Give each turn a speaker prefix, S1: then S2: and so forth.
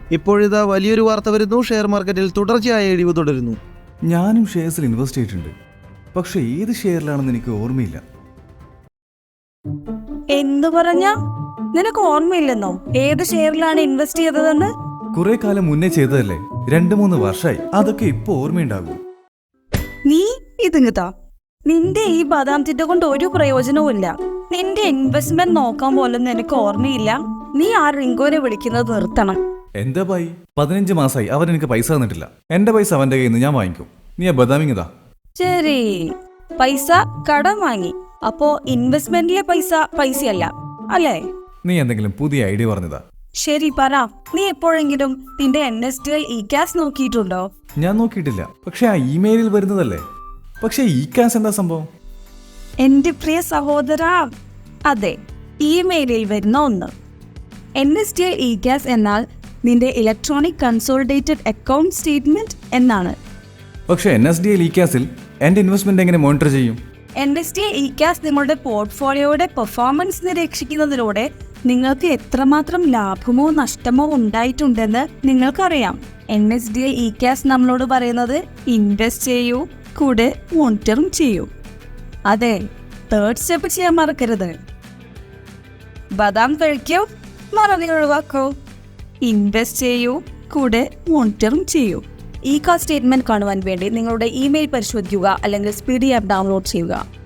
S1: ഇപ്പോഴിതാ വലിയൊരു വാർത്ത വരുന്നു. ഷെയർ മാർക്കറ്റിൽ തുടർച്ചയായ ഇടിവ് തുടരുന്നു.
S2: ഞാനും ഷെയർസിൽ ഇൻവെസ്റ്റ് ചെയ്തിട്ടുണ്ട്, പക്ഷെ ഏത് ഷെയറിലാണെന്ന് എനിക്ക് ഓർമ്മയില്ല.
S3: എന്തു പറഞ്ഞ? നിനക്ക് ഓർമ്മയില്ലെന്നോ ഏത് ഷെയറിലാണ് ഇൻവെസ്റ്റ് ചെയ്തതെന്ന്?
S2: കുറെ കാലം മുന്നേ ചെയ്തതല്ലേ, 2-3 വർഷമായി. അതൊക്കെ ഇപ്പൊ ഓർമ്മയുണ്ടാകൂ.
S3: നീ ഇതിങ്ങത്താ, നിന്റെ ഈ ബദാം തിട്ട കൊണ്ട് ഒരു പ്രയോജനവും ഇല്ല. നിന്റെ ഇൻവെസ്റ്റ്മെന്റ് നോക്കാൻ പോലും നിനക്ക് ഓർമ്മയില്ല. നീ ആ റിങ്കോനെ വിളിക്കുന്നത് നിർത്തണം.
S2: എന്താ ബായി, 15 മാസമായി അവൻ എനിക്ക് പൈസ തന്നിട്ടില്ല. എന്റെ പൈസ അവന്റെ കയ്യിൽ നിന്ന് ഞാൻ വാങ്ങിക്കും. നീ ആ ബദാമിങ്ങതാ.
S3: ശരി, പൈസ കടം വാങ്ങി, അപ്പോ ഇൻവെസ്റ്റ്മെന്റിലെ പൈസയല്ല അല്ലേ?
S2: നീ എന്തെങ്കിലും പുതിയ ഐഡിയ പറഞ്ഞതാ?
S3: ശരി പറ, നീ എപ്പോഴെങ്കിലും നിന്റെ NSDL ECAS നോക്കിയിട്ടുണ്ടോ?
S2: ഞാൻ നോക്കിയിട്ടില്ല, പക്ഷെ ആ ഇമെയിലിൽ വരുന്നതല്ലേ. പക്ഷെ ECAS എന്താ സംഭവം?
S3: എന്റെ പ്രിയ സഹോദരാ, അതെ, ഇമെയിലിൽ വരുന്ന ഒന്ന്. NSDL ECAS എന്നാൽ നിന്റെ ഇലക്ട്രോണിക് കൺസോളിഡേറ്റഡ് അക്കൗണ്ട് സ്റ്റേറ്റ്മെന്റ് എന്നാണ്.
S2: പക്ഷെ NSDL ECASൽ എന്റെ ഇൻവെസ്റ്റ്മെന്റ് എങ്ങനെ മോണിറ്റർ ചെയ്യും?
S3: NSDL ECAS നിങ്ങളുടെ പോർട്ട്ഫോളിയോയുടെ പെർഫോമൻസ് നിരീക്ഷിക്കുന്നതിലൂടെ നിങ്ങൾക്ക് എത്രമാത്രം ലാഭമോ നഷ്ടമോ ഉണ്ടായിട്ടുണ്ടെന്ന് നിങ്ങൾക്കറിയാം. NSDL ECAS നമ്മളോട് പറയുന്നത് ഇൻവെസ്റ്റ് ചെയ്യൂ, കൂടെ മോണിറ്ററും ചെയ്യൂ. അതെ, 3rd സ്റ്റെപ്പ് ചെയ്യാൻ മറക്കരുത്. ബദാം കഴിക്കൂ, മറവി ഒഴിവാക്കൂ. ഇൻവെസ്റ്റ് ചെയ്യൂ, കൂടെ മോണിറ്ററും ചെയ്യൂ. ECAS സ്റ്റേറ്റ്മെന്റ് കാണുവാൻ വേണ്ടി നിങ്ങളുടെ ഇമെയിൽ പരിശോധിക്കുക അല്ലെങ്കിൽ സ്പീഡി ആപ്പ് ഡൗൺലോഡ് ചെയ്യുക.